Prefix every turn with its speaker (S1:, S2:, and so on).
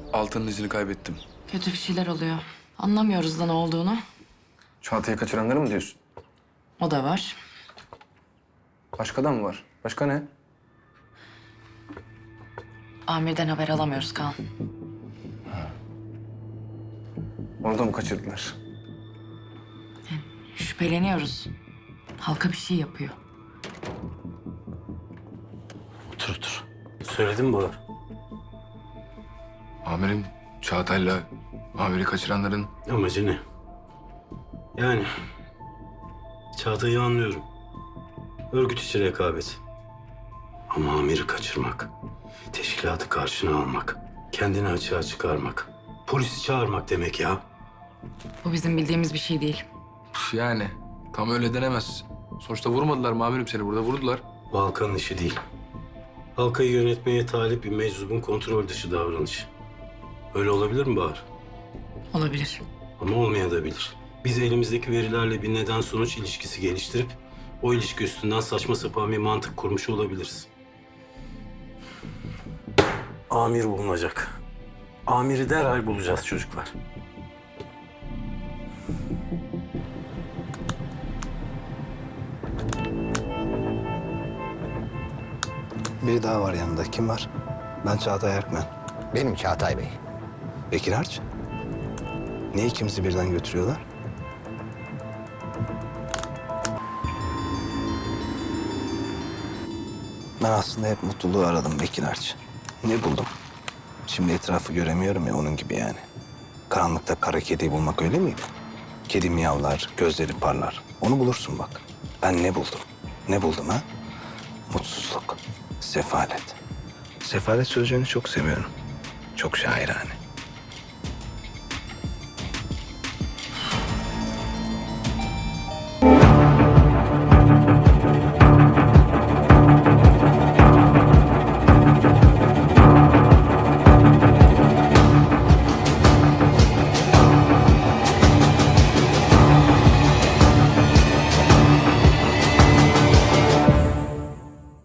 S1: Altan'ın izini kaybettim.
S2: Kötü bir şeyler oluyor. Anlamıyoruz da ne olduğunu.
S1: Çağatay'ı kaçıranları mı diyorsun?
S2: O da var.
S1: Başka da mı var? Başka ne?
S2: Amir'den haber alamıyoruz Kaan.
S1: Onu da mı kaçırdılar?
S2: Şüpheleniyoruz. Halka bir şey yapıyor.
S3: Otur otur. Söyledin mi Bahar?
S1: Amirim, Çağatay'la amiri kaçıranların...
S3: Amacı ne? Yani Çağatay'ı anlıyorum. Örgüt içi rekabet. Ama amiri kaçırmak, teşkilatı karşına almak, kendini açığa çıkarmak, polisi çağırmak demek ya.
S2: Bu bizim bildiğimiz bir şey değil.
S1: Yani tam öyle denemez. Sonuçta vurmadılar mı amirim seni burada? Vurdular.
S3: Bu halkanın işi değil. Halkayı yönetmeye talip bir meczubun kontrol dışı davranışı. Öyle olabilir mi Bahar?
S2: Olabilir.
S3: Ama olmayabilir. Biz elimizdeki verilerle bir neden-sonuç ilişkisi geliştirip o ilişki üstünden saçma sapan bir mantık kurmuş olabiliriz. Amir bulunacak. Amiri derhal bulacağız çocuklar.
S4: Biri daha var yanında. Kim var? Ben Çağatay Erkmen.
S5: Benim Çağatay Bey.
S4: Bekir Harç. Niye ikimizi birden götürüyorlar? Ben aslında hep mutluluğu aradım Bekir Harç. Ne buldum? Şimdi etrafı göremiyorum ya onun gibi yani. Karanlıkta kara kediyi bulmak öyle miydi? Kedi miyavlar, gözleri parlar. Onu bulursun bak. Ben ne buldum? Ne buldum ha? Mutsuzluk, sefalet. Sefalet sözcüğünü çok seviyorum. Çok şairane.